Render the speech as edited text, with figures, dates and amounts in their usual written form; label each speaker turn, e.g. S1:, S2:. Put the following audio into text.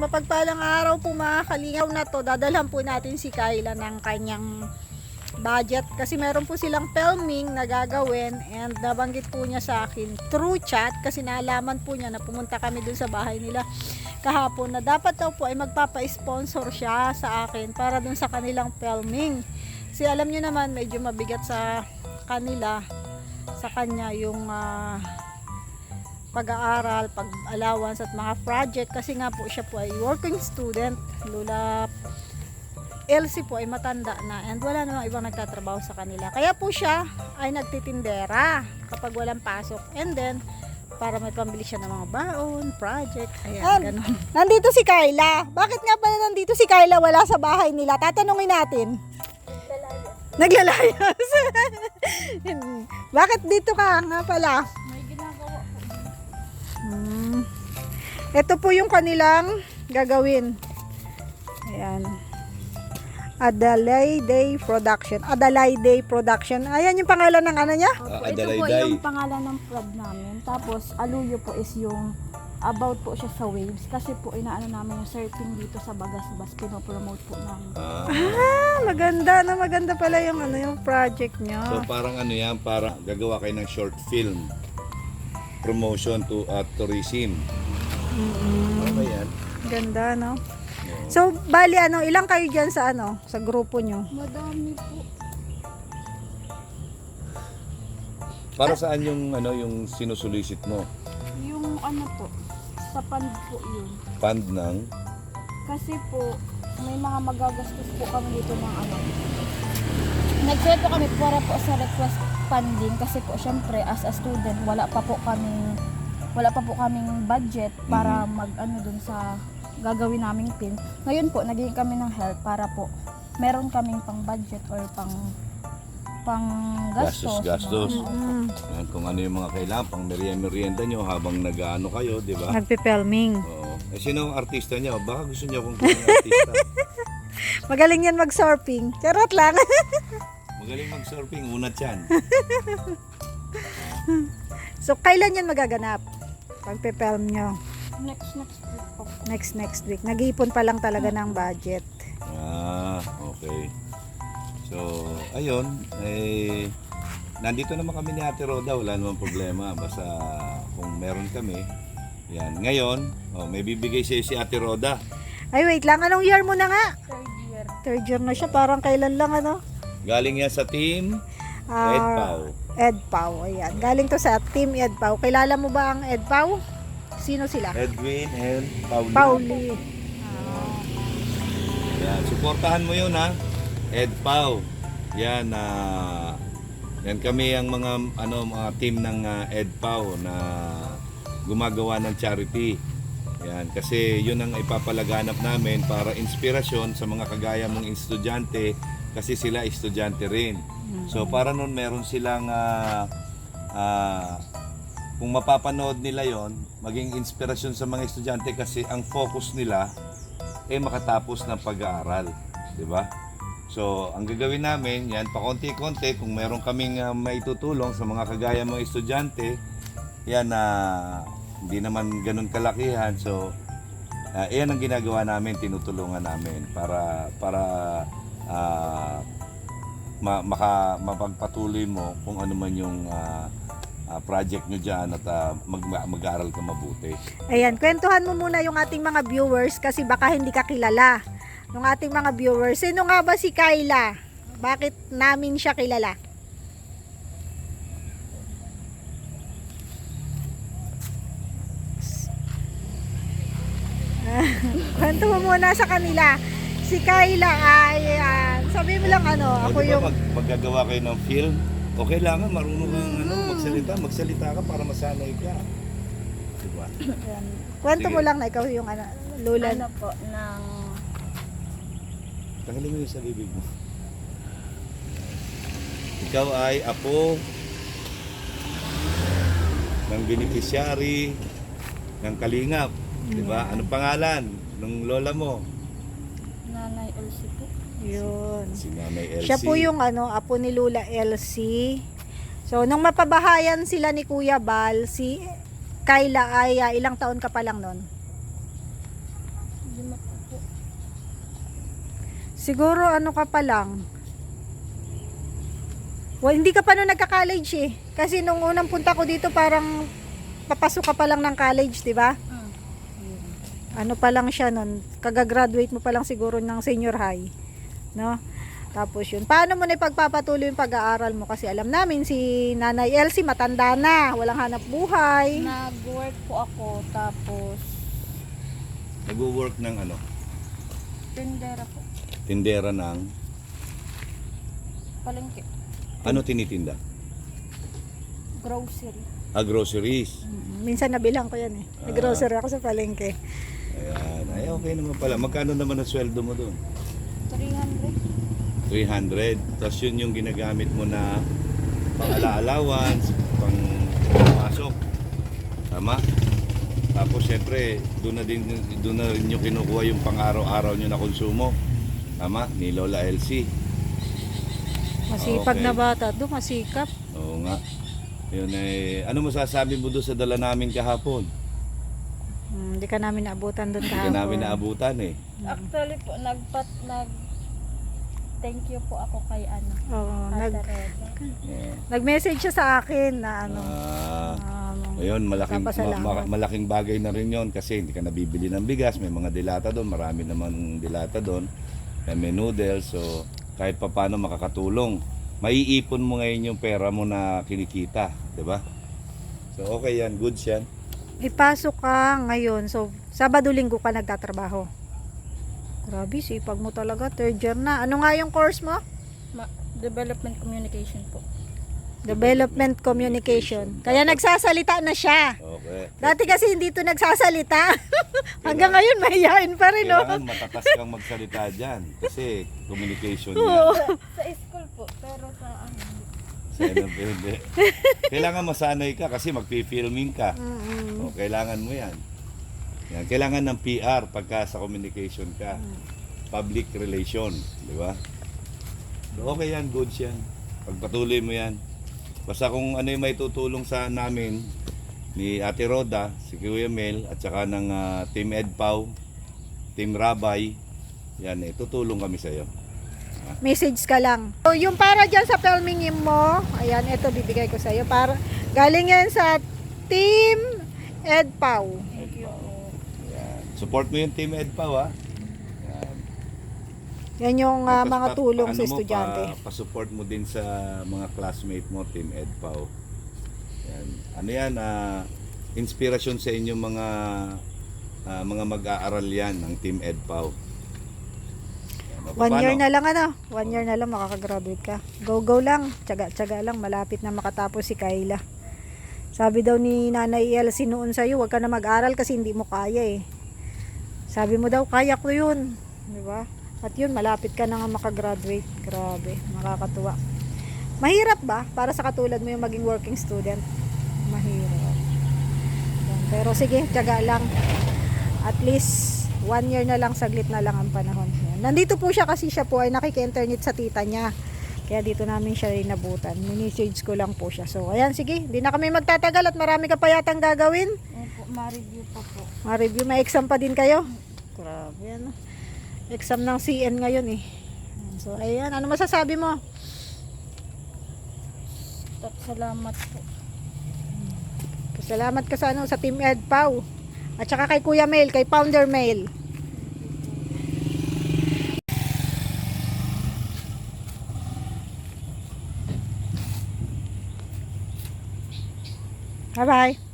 S1: mapagpalang araw po mga kalingaw na to. Dadalhan po natin si Kyla ng kanyang budget kasi meron po silang filming na gagawin, and nabanggit po niya sa akin through chat kasi naalaman po niya na pumunta kami dun sa bahay nila kahapon na dapat daw po ay magpapa-sponsor siya sa akin para dun sa kanilang filming. Kasi alam niyo naman medyo mabigat sa kanila, sa kanya yung pag-aaral, pag-allowance at mga project kasi nga po siya po ay working student. Lula Elsie po ay matanda na and wala namang ibang nagtatrabaho sa kanila. Kaya po siya ay nagtitindera kapag walang pasok. And then, para may pambili siya ng mga baon, project, ayan, ganun. Nandito si Kyla. Bakit nga pala nandito si Kyla wala sa bahay nila? Tatanungin natin. Naglalayas. Bakit dito ka nga pala?
S2: May ginagawa po.
S1: Ito po yung kanilang gagawin. Ayan. Adelaide Production. Adelaide Production. Ayan yung pangalan ng ano niya?
S2: Opo, ito po yung pangalan ng prod namin. Tapos Aluyo po is yung about po siya sa waves. Kasi po inaano namin yung surfing dito sa Bagasbas. Pinopromote po namin.
S1: Maganda na maganda pala yung ano yung project niya.
S3: So parang ano yan, parang gagawa kayo ng short film. Promotion to tourism. Ano ba yan?
S1: Ganda, no? So, bali ano, ilang kayo diyan sa ano, sa grupo nyo?
S2: Madami po.
S3: Para saan yung ano yung sinusulisit mo?
S2: Yung ano po, sa fund po yun.
S3: Fund ng
S2: Kasi po, may mga magagastos po kami dito ng ano. Nag-try po kami para po sa request funding kasi po syempre as a student wala pa po kaming budget para mag-ano dun sa gagawin naming film. Ngayon po, naging kami ng help para po meron kaming pang budget or pang gastos.
S3: Yan, kung ano yung mga kailangan, pang merienda nyo habang nag-ano kayo, di ba?
S1: Nagpe-filming.
S3: Oo. Eh, sino ang artista nyo? Baka gusto nyo kung yung artista.
S1: Magaling yan mag-surfing. Charot lang.
S3: Magaling mag-surfing, unat yan.
S1: So, kailan yan magaganap? Pagpe-film nyo?
S2: Next week po.
S1: Next week. Nag-iipon pa lang talaga ng budget.
S3: Okay. So, ayun, nandito naman kami ni Ate Roda, wala namang problema. Basta kung meron kami, yan. Ngayon, may bibigay siya si Ate Roda.
S1: Ay, wait lang. Anong year mo na nga?
S2: Third year.
S1: Third year na siya. Parang kailan lang, ano?
S3: Galing yan sa team EdPau.
S1: EdPau, ayan. Galing to sa Team EdPau. Kilala mo ba ang EdPau? Sino sila?
S3: Edwin and Pauli.
S1: Pauli.
S3: Yan, suportahan mo yun ha. EdPau. Yan, yan kami ang mga team ng EdPau na gumagawa ng charity. Yan, kasi yun ang ipapalaganap namin para inspirasyon sa mga kagaya mong estudyante kasi sila estudyante rin. So para nun meron silang kung mapapanood nila yon, maging inspirasyon sa mga estudyante kasi ang focus nila ay makatapos ng pag-aaral, di ba? So, ang gagawin namin, yan, pakonti-konti, kung meron kaming maitutulong sa mga kagaya mga estudyante, yan hindi naman ganun kalakihan. So, yan ang ginagawa namin, tinutulungan namin para mapagpatuloy mo kung ano man yung project nyo dyan at mag-aaral ka mabuti.
S1: Ayan, kwentuhan mo muna yung ating mga viewers kasi baka hindi ka kilala. Yung ating mga viewers, sino nga ba si Kyla? Bakit namin siya kilala? Kwento mo muna sa kanila. Si Kyla ay, sabi mo lang ano, ako
S3: Di ba
S1: yung...
S3: maggagawa kayo ng film, o kailangan marunong kang magsalita ka para masanay ka. Diba?
S1: Ayan. Kwento mo
S3: Sige.
S1: lang na ikaw yung lula.
S2: Ano po, ng
S3: Tanggalin mo yung sa bibig mo. Ikaw ay apo ng beneficiary ng Kalingap. Diba? Anong pangalan ng lola mo?
S2: Nanay Elsie po.
S1: Yun.
S3: Si Nanay Elsie.
S1: Siya po yung apo ni Lula Elsie. So, nung mapabahayan sila ni Kuya Bal, si Kyla ay ilang taon ka pa lang nun?
S2: po.
S1: Siguro ano ka pa lang. Well, hindi ka pa nung nagka-college eh. Kasi nung unang punta ko dito parang papasok ka pa lang ng college, di ba? Ano pa lang siya nun, kagagraduate mo pa lang siguro ng senior high, no? Tapos yun, paano mo na ipagpapatuloy yung pag-aaral mo? Kasi alam namin si Nanay Elsie matanda na, walang hanap buhay.
S2: Nag-work po ako, tapos
S3: Nag-work ng ano?
S2: tindera po.
S3: Tindera ng
S2: Palengke.
S3: ano tinitinda?
S2: Grocery.
S3: Groceries.
S1: Minsan nabilang ko yan eh. Nag-grocery ako sa palengke.
S3: Ayan. Ay, okay naman pala. Magkano naman ang sweldo mo doon?
S2: 300.
S3: 300. Tapos yun yung ginagamit mo na pang-ala-allowance, pang-pasok. Tama? Tapos syempre, doon na rin yung kinukuha yung pang-araw-araw nyo na konsumo. Tama? Ni Lola Elsie.
S1: Masipag
S3: Okay.
S1: na bata. Doon masikap.
S3: Oo nga. Yun eh, ano masasabi mo doon sa dala namin kahapon?
S1: Hindi ka namin naabutan doon
S3: Hindi
S1: kahapon.
S3: ka namin naabutan eh.
S2: Actually po, thank you po ako kay
S1: Oo,
S2: Ate Reda.
S1: nag-message siya sa akin na ano.
S3: Ayun,
S1: Papasalamat.
S3: malaking bagay na rin yon kasi hindi ka nabibili ng bigas, may mga dilata doon, marami naman dilata doon, may noodles, so kahit papano makakatulong. Maiipon mo ngayon yung pera mo na kinikita, di ba? So okay yan, goods yan.
S1: Ipasok ka ngayon. So, Sabado-Linggo ka nagtatrabaho. Grabe, sipag mo talaga. Third year na. Ano nga yung course mo?
S2: Development Communication po.
S1: Development Communication. Kaya nagsasalita na siya.
S3: Okay.
S1: Dati kasi hindi to nagsasalita. Hanggang ngayon mahihain pa rin, no?
S3: Kailangan matatas kang magsalita dyan kasi communication
S1: Oo.
S3: yan.
S2: Sa school po, pero sa
S3: Sana pwede. Kailangan masanay ka kasi magpi-filming ka. O, kailangan mo yan. Yan. Kailangan ng PR pagka sa communication ka. Public relation. Di ba? So, okay yan. Goods yan. Pagpatuloy mo yan. Basta kung ano yung may tutulong sa namin ni Ate Roda, si Kuya Mel, at saka ng Team EdPAW, Team Rabay, yan tutulong kami sa iyo.
S1: Message ka lang. So, yung para dyan sa filming mo, ayan, ito bibigay ko sa iyo. Para, galing yan sa Team EdPAW.
S3: Yan. Support mo yung Team EdPAW, ha? Yan.
S1: Yan yung
S3: Tapos
S1: mga tulong
S3: ano
S1: sa
S3: mo,
S1: estudyante.
S3: Pa-support mo din sa mga classmate mo, Team EdPAW. Yan. Ano yan, inspirasyon sa inyong mga mag-aaral yan ng Team EdPAW. Yan.
S1: 1 year na lang 1 year na lang makakagraduate ka. Go lang, tiyaga lang, malapit na makatapos si Kayla. Sabi daw ni Nanay Elsie noon sa'yo, huwag ka na mag-aral kasi hindi mo kaya eh. Sabi mo daw, kaya ko yun. Di ba? At yun, malapit ka na nga makagraduate. Grabe, nakakatuwa. Mahirap ba para sa katulad mo yung maging working student? Mahirap. Yan. Pero sige, tiyaga lang. At least 1 year na lang, saglit na lang ang panahon. Yan. Nandito po siya kasi siya po ay nakiki-internet sa tita niya. Kaya dito namin siya inabutan. Mini-message ko lang po siya. So, ayan, sige. Hindi na kami magtatagal at marami ka pa yatang gagawin.
S2: Opo, ma-review pa po.
S1: Ma-review, may exam pa din kayo. Grabe, ano. Exam ng CN ngayon eh. So, ayan. Ano masasabi mo?
S2: Salamat po.
S1: Salamat ka sa Team EdPAW. At saka kay Kuya Mail, kay Founder Mail. Bye-bye.